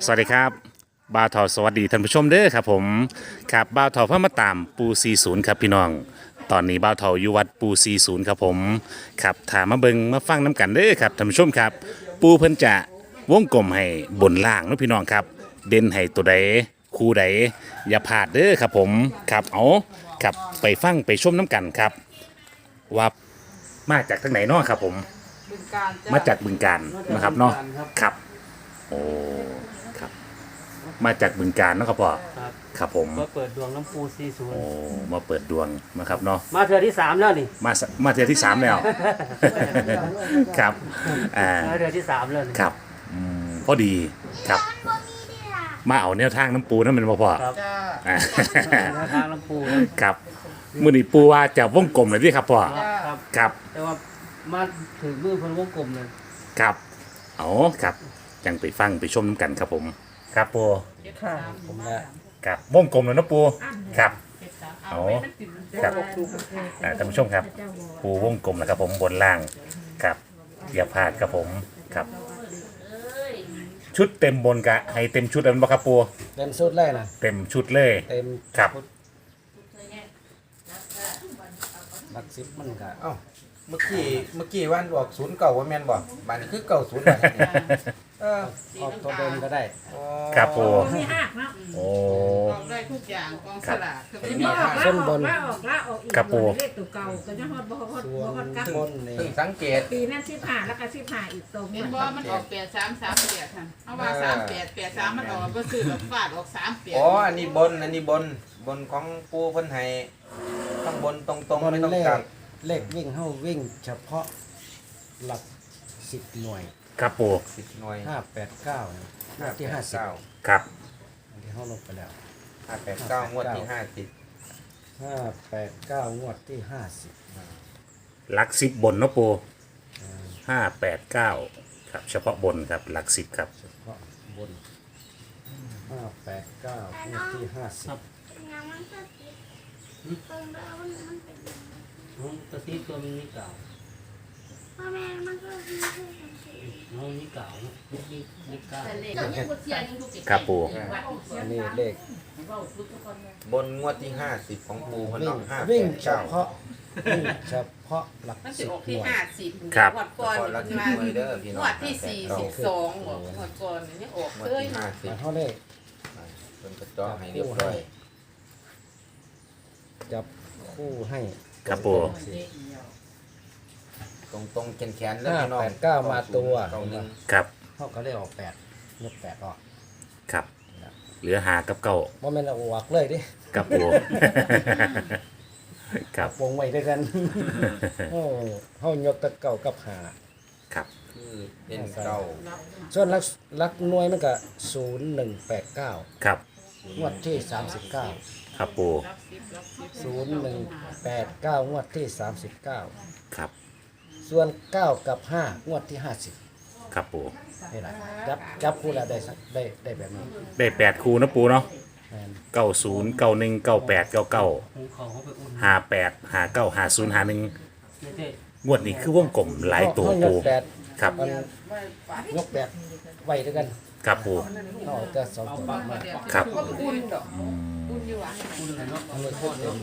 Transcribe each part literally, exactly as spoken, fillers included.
สวัสดีครับบ่าวทอสวัสดีท่านผู้ชมเด้อครับผมครับบ่าวทอพระมาตามปูสี่สิบครับพี่น้องตอนนี้บ่าวทออยู่วัดปูสี่สิบครับผมครับถามมาเบิงมาฟังน้ำกันเด้อครับท่านผู้ชมครับปูเพิ่นจะวงกลมให้บนล่างเนาะพี่น้องครับเด่นให้ตัวใดคู่ใดอย่าพลาดเด้อครับผมครับเอาครับไปฟังไปชมน้ำกันครับว่ามาจากทางไหนเนาะครับผมบึงกาฬจ้ะมาจากบึงการนะครับเนาะบึงกฬครับครับโอ้ครับมาจากบึงการเนาะครับพ่อครับครับผมก็เปิดดวงน้ำปูสี่ศูนโอ้ย์มาเปิดดวงนะครับเนาะมาเทือที่สามแล้วนี่มาสมาเทือที่สามแล้ว ครับอ่ามาเทือที่สามแล้วนี่ครับอืมพอดีครับ มาเอาแนวทางน้ำปูนั่นเป็นบ่พ่อครับจ้าอ่าแนวทางน้ำปูนะครับมือนี้ปูว่าจะวงกลมเลยที่ครับพ่อครับครับแต่ว่ามาถึงมือเพิ่นวงกลมเลยครับเอาครับยังไปฟังไปชมน้ำกันครับผม ครับปูค่ะผมละครับวงกลมเลยนะปูครับเอาครับอ่าท่านผู้ชมครับปูวงกลมนะครับผมบนล่างครับอย่าพลาดครับผมครับ ชุดเต็มบนกะให้เต็มชุดแล้วบ่ครับปูเต็มสุดเลยนะเต็มชุดเลยเต็มครับชุดหลักสิบมันก็เอ้าเมื่อกี้เมื่อกี้วันบอกศูนย์เก่าว่าแม่นบอกบ้านนี้คือเก่าศูนย์บาทเออออกตัวเดิมก็ได้อ๋อครับปูไม่หักเนาะโอ้ออกได้ทุกอย่างกองสลากคือทีไม่นี้มีออกละออกละออกละออกอีกครับปู่เลขตัวเก่าก็จะฮอดบ่ฮอดส่บ่วนฮอดกับบนนี่เพิ่งสังเกตปีนั้นสิบห้าแล้วก็สิบห้าอีกตรงเห็นบ่มันออกแปดสามสามแปดค่ะเอาว่าสามแปดแปดสามมันออกก็ซื้อแบบฟาดออกสามแปดอ๋ออันนี้บนอันนี้บนบนของปูเพิ่นให้ข้างบนตรงบๆนไม่ต้องเลขกลับเลขวิ่งเข้าวิ่งเฉพาะหลักสิบหน่วยครับปูสิบหน่วยห้าแปดเก้านะหน้าที่ห้าสิบเก้าครับที่เข้าลงไปแล้วห้าแปดเก้างวดที่ห้าสิบห้าแปดเก้างวดที่ห้าสิบหลักสิบบนเนาะปูห้าแปดเก้าครับเฉพาะบนครับหลักสิบครับเฉพาะบนห้าแปดเก้างวดที่ห้าสิบ ตัวที่ตัวมันนี่เก่าน้องนี่เก่านี่นี่เก่าครับปูอันนี้เลขบนงวดที่ห้าสิบของปูเพิ่นวิ่งเนาะห้าแปวิ่งดเฉเก้าพาะวิ่งเฉพาะหลักมันจะสิบออกหที่น่วยห้าสิบครับงวดก่อนก่อนละมันที่มาหน่วยเด้อพี่งน้องวดที่สี่สิบสองบอกงวดก่อนนี่ออกงวดเลยที่ห้าสิบมาเท่าเลขเพิ่นก็เจาะให้เรียบร้อยจับคู่ให้ครับปูตรงตรงๆแขนๆแล้วพี่น้องห้าแปดเก้ามาตัวเก้าหนึ่งครับเขาก็ได้ออกแปดยกแปดออกครับเหลือหากับเก้าว่ามันเอาออกเลยดิครับปู ครับวงไว้ด้วยกันโอ้เขายกตะเก่ากับหาครับคือเป็นเก้าส่วนลักลักหน่วยมันก็ศูนย์หนึ่งแปดเก้าครับงวดที่สามสิบเก้าครับปูศูนย์หนึ่งแปดเก้างวดที่สามสิบเก้าครับส่วนเก้ากับห้างวดที่ห้าสิบครับปูนี่แหละจับจับคู่แล้วได้สักได้ได้แบบนี้ได้แปดคูนะปูเนาะแม่นเก้าศูนย์เก้าหนึ่งเก้าแปดเก้าเก้าหูเขาเขาไปอุ่นห้าแปดห้าเก้าห้าศูนย์ห้าหนึ่งไม่ใช่งวดนี้คือวงกลมหลายตัวเขายปูกแปดครับมันยกแปดไว้ด้วยกันครับปูเขาเอาแต่สองตัวมาครับก็อุ่นดอกอุ่นอยู่อ่ะอันนี้คือเต็ม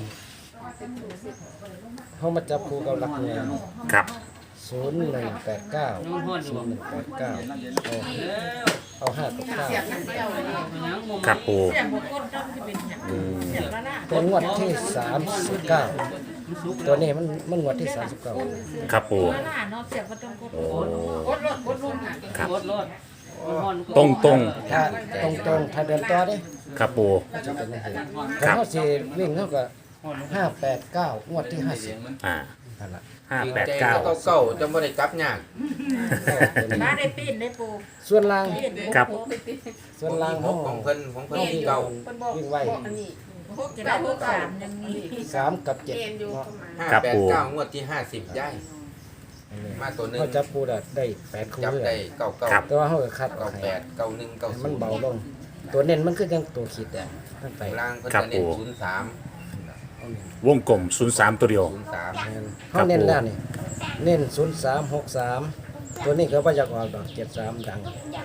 เขามาจับคู่กับหลักหน่วยครับศูนย์หนึ่งแปดเก้าศูนย์หนึ่งแปดเก้าเอาเอาห้ากับเก้าเสียบมันเดียวเลยครับปูเสียงบ่กดต้องสิเป็นหยังเสียงละล่ะเป็นงวดที่สามสิบเก้าตัวนี้มันมันงวดที่สามสิบเก้าครับปูละล่ะเนาะเสียงบ่ต้องกดโอ้กดรถกดรุ่นอ่ะครับรถรถตรงตรงถ้าตรงตรงๆถ้าเดินต่อเด้ๆครับปูจะเป็นยังไงครัถ้าบเขาสิวิ่งเขาก็ห้าแปดเก้างวดที่ห้าสิบอ่านั่นแหละห้าจริงแปดใจเก้าก็เก้าๆจะไม่ได้กลับยากบ้านได้ปีนได้ปูส่วนล่างปีนได้ครับส่วนล่างขเขาองของเพิ่นของเพิ่นที่เก่าคนบอกวิ่งไวบอกอันนี้พวกจะได้พวกสามยังมีสามกับเจ็ดเกณฑ์อยู่เนาะห้าครับแปดปู่เก้างวดที่ห้าสิบย้ายมาตัวหนึ่งเขาจับปูได้ได้แปดคู่จับเลยได้เก้าเก้าครับแต่ว่าเขาก็คัดออเก้ากให้แปดเก้าหนึ่งเก้าให้ศูมันนย์เบาลง ตัวเน้นมันคือยังตัวขีดอ่ะทั้งไปล่างเพิ่นครับจะเน้นปู่ศูนย์สามเอาเน้นวงกลมศูนย์สามตัวเดียวศูนย์สามแม่นครัเขาบเน้นปู่แล้วนี่เน้นศูนย์สามหกสามตัวนี้ก็ว่าจะออกดอกเจ็ดสามดังครับเ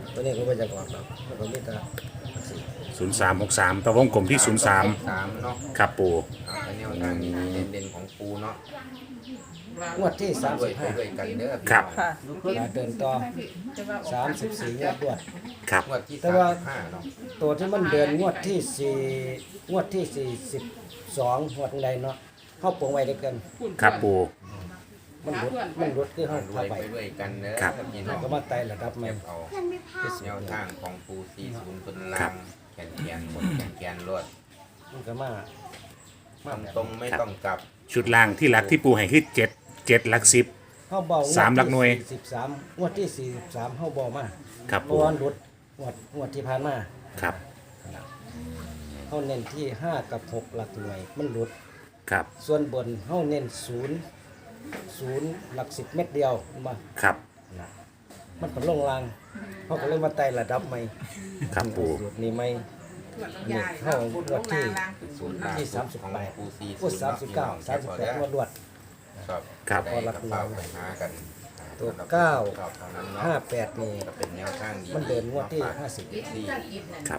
ตัวนี้ก็ไม่จะออกหรอกมันก็มีแต่สี่ศูนย์สามหกสามแต่วงกลมที่ศูนย์สามสามเนาะครับปูอ่าเป็นแนวทางเด่นๆของปูเนาะงวดที่สามด้วสิยบห้าด้วยกันเด้อพี่ครับน้องค่ะมาเดินต่อสามสิบสี่งวดรวดครับงวดที่แต่สามว่าสิบห้าเนาะตัวที่มันเดินงวดที่สี่งวดที่สี่สิบสองงวดใดเนาะเข้าปวงไว้ด้วยกันครับปูมันรุดมันรุดคือเขารวเข้าย ไปไปด้วยกันเด้อครับพี่น้องก็มาไต่ระดับใหม่เก็บเอาแนวทางของปูสี่ศูนย์เป็นลางแขนแขนบนแขนแขนรวดมันก็มามาตรงแบบตรงๆไม่ต้องกลับชุดล่างที่หลักที่ปูให้คือเจ็ดเจ็ดหลักสิบเข้าเบาสามหลักหน่วยสิบสามงวดที่สี่สิบสามเข้าเบามาครับเพปูราะว่ารุดงวดงวดที่ผ่านมาครับเขาเน้นที่ห้ากับหกหลักหน่วยมันรุดครับส่วนบนเขาเน้นศูนย์ศูนย์หลักสิบเม็ดเดียวมาครับนะมันเป็นลงรางเขาก็เลยมาไต่ระดับใหม่ครับปูสูตรนี้ไม่นี่เข้างวดที่ศูนย์ล่างที่สามสิบของแปดปูสี่พูดสามสิบเก้าสามสิบแปดงวดรวดครับครับได้กระเป๋าไปหากันตัวเก้าครับเท่านั้นเนาะห้าแปดนี่ก็เป็นแนวทางดีมันเดินงวดที่ห้าสิบที่ครับ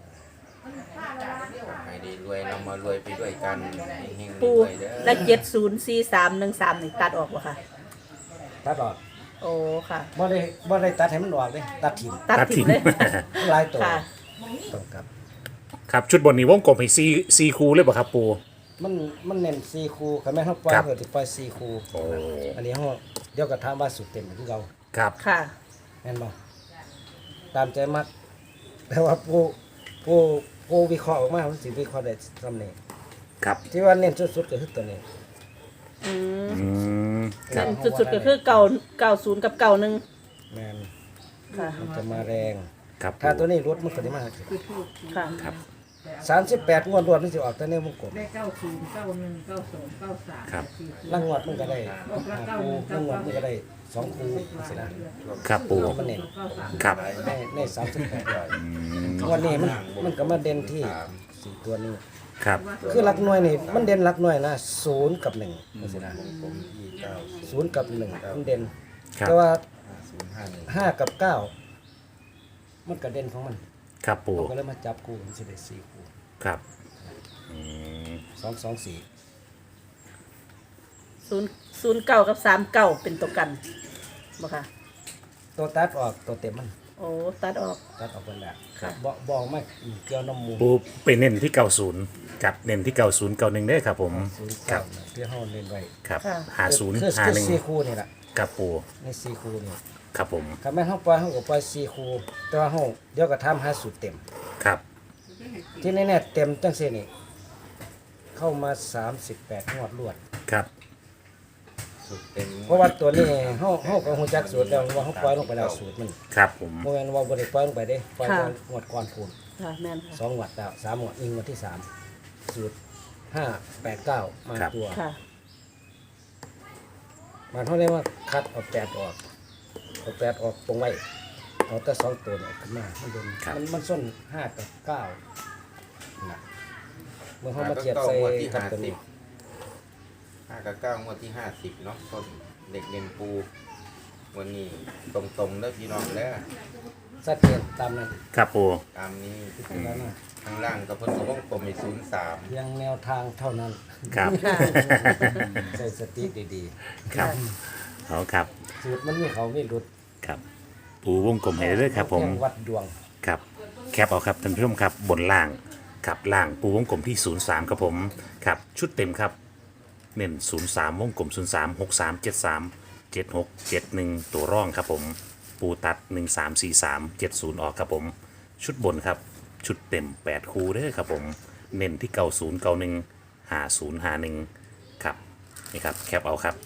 ให้ได้รวยเรามารวยไปด้วยกันเฮงๆปูรวยเด้อและเจ็ดศูนย์สี่สามหนึ่งสามนี่ตัดออกวะค่ะตัดออกโอ้ค่ะบ่ได้บ่ได้ตัดให้มันออกเลยตัดถิ่มตัดตัดทิ้ทิ้งงเลยหลายตัวค่ะต้องกลับครับชุดบนนี้วงกลมให้ซีซีคูเลยป่ะครับปูมันมันเน้นสี่คูคันแม่นเฮาปล่อยครับเพิ่นสิปล่อยสี่คูโอ้อันนี้เฮาเดี๋ยวก็ถามว่าสุดเต็มคือเก่าครับค่ะแม่นบ่ตามใจมัก แต่ว่าผู้ผู้ผู้วิเคราะห์ออกมามันสิวิเคราะห์ได้ซำนี้ครับที่ว่าเน้นสุดๆก็คือตัวนี้อืมอืมคเน้รับนสุดๆก็คือเก่าเก่าศูนย์กับเก่าหนึ่งแม่นค่ะมันจะมาแรงครับถ้าตัวนี้รถมันก็ได้มาค่ะครับสามสิบแปดงวดรวดมันสิออกแต่ในวงกลมได้เก้าศูนย์เก้าหนึ่งเก้าสองเก้าสามครับล่างงวดมันก็ได้ห้าคูล่างงวดมันก็ได้สองคูสินะครับปูที่มันเน้นครับในในสามสิบแปดงวดนี้มันมันก็มาเด่นที่สี่ตัวนี้ครับคือหลักหน่วยนี่มันเด่นหลักหน่วยนะศูนย์กับหนึ่งสินะผมที่เก้าศูนย์กับหนึ่งมันเด่นครับแต่ว่าศูนย์ห้าหนึ่งห้ากับเก้ามันก็เด่นของมันครับปูก็เลยมาจับคู่มันสิได้สี่คู่ครับอืมสองสองสี่ศูนย์ศูนย์เก่ากับสามเก่าเป็นตัวกันบ่ค่ะตัวตัดออกตัวเต็มมันโอ้ตัดออกตัดออกคนละค่ะบอกบอกไม่เกี่ยวน้ำมูลปูไปเน้นที่เก้าศูนย์กับเน้นที่เก้าศูนย์เก้าหนึ่งได้ครับผมศูนย์ครัเก้าบที่ห้องเล่นไว้ครับค่ะหาศูนย์คือหาคือหนึ่งสี่คู่นี่แหละครับปูในสี่คู่นี่ครับผมคำแม่นห้องปล่อยห้องก็ปล่อยสี่คู่แต่ว่าห้องเดี๋ยวก็ทำห้าสูตรเต็มครับที่แน่ๆเต็มจังเซนี่เข้ามาสามสิบแปดงวดรวดครับสุดเต็มเพราะว่าตัวนี้เฮาเฮาก็ฮู้จักสูตรแล้วว่าเฮาปล่อยลงไปแล้วสูตรมันครับผมบ่แม่นว่าบ่ได้ปล่อยลงไปเด้ปล่อยค่ะงวดก่อนพูนค่ะแม่นค่ะสองงวดแล้วสามงวดอีกงวดที่สามสูตรห้าแปดเก้ามาตัวค่ะมันเฮาเรียกว่าคัดเอาแปดออกเอาแปดออกตรงไว้เอาแต่สองตัวนี่ออกขึ้นมามันเด่นมันมันส้นห้ากับเก้าน่ะเมื่อเฮามาเทียบใส่กับตัวนี้ห้ากับเก้างวดที่ห้าสิบเนาะต้นเด็กเรียนปูวันนี้ตรงๆเด้อพี่น้องเด้อชัดเจนตามนั้นครับปูตามนี้แล้วนะข้างล่างกับเพิ่นก็วงกลมมีศูนย์สามเพียงแนวทางเท่านั้นครับใส่สติดีครับเอาครับๆ สูตรมันมีเขาไม่รุดครับ ปูวงกลมให้เลยครับผมแค่วัดดวงครับแคปเอาครับท่านผู้ชมครับบนล่างครับล่างปูวงกลมที่ศูนย์สามครับผมครับชุดเต็มครับเน้นศูนย์สามวงกลมศูนย์สามหกสามเจ็ดสามเจ็ดหกเจ็ดหนึ่งตัวร่องครับผมปูตัดหนึ่งสามสี่สามเจ็ดศูนย์ออกครับผมชุดบนครับชุดเต็มแปดคูเด้อครับผมเน้นที่เก้าศูนย์เก้าหนึ่งหาศูนย์หาหนึ่งครับนี่ครับแคปเอาครับ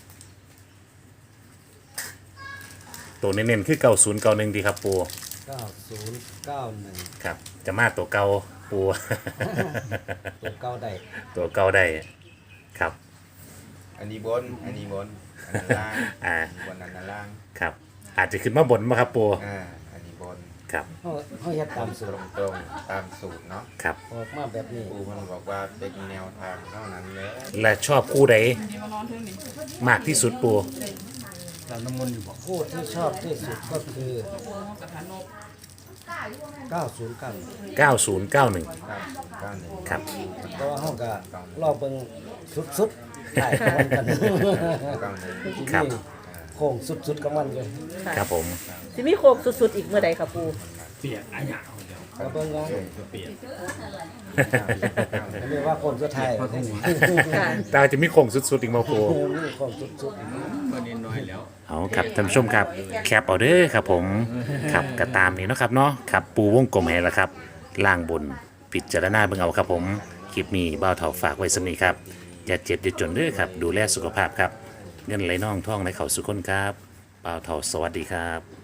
ตัวเน้นๆคือเก้าศูนย์เก้าหนึ่งดีครับปูเก้าศูนย์เก้าหนึ่งครับจะมาตัวเก่าปูตัวเก้าได้ตัวเก่าได้ครับอันนี้บน อันนี้บน อันนั้นล่างอ่าอันนี้บนอันนั้นล่างครับ อาจจะขึ้นมาบนมาครับปูอ่า อันนี้บนครับเขาเขาเฮ็ดตามสูตตรรงตรงๆตามสูตรเนาะครับออกมาแบบนี้ปูมันบอกว่าเป็นแนวทางเท่านั้นเลยและชอบคู่ใดนี่มานอนเท่านี้มากที่สุดปูจากน้ำมันต์อยู่บอกคู่ที่ชอบที่สุดก็คือโอ้โหกระถานกเก้าศูนย์เก้าเก้าศูนย์เก้าหนึ่งเก้าหนึ่งครับเพราะว่าห้องก็รอบเบิ่งสุดๆได้กับมันกันเก้าหนึ่งครับนี่โค้งสุดๆกับมันอยู่ค่ะครับผมสิมีโค้งสุดๆอีกเมื่อใดครับปูเปียกอะหยาเอาเดียวก็เบิ่งว่าเปียกอันนี้ว่าโค้งสุดท้ายค่ะแต่จะมีโค้งสุดๆอีกมาปูนี่โค้งสุดๆก็นิดน้อยแล้วเอาครับท่านผู้ชมครับแคปเอาเด้อครับผมครับก็ตามนี้เนาะครับเนาะครับปูวงกลมให้แล้วครับล่างบนพิจารณาเบิ่งเอาครับผมคลิปนี้บ่าวเฒ่าฝากไว้สำนี้ครับอย่าเจ็บอย่าจนเด้อครับดูแลสุขภาพครับเงินไหลน่องท่องไหลเข่าสุขคนครับบ่าวเฒ่าสวัสดีครับ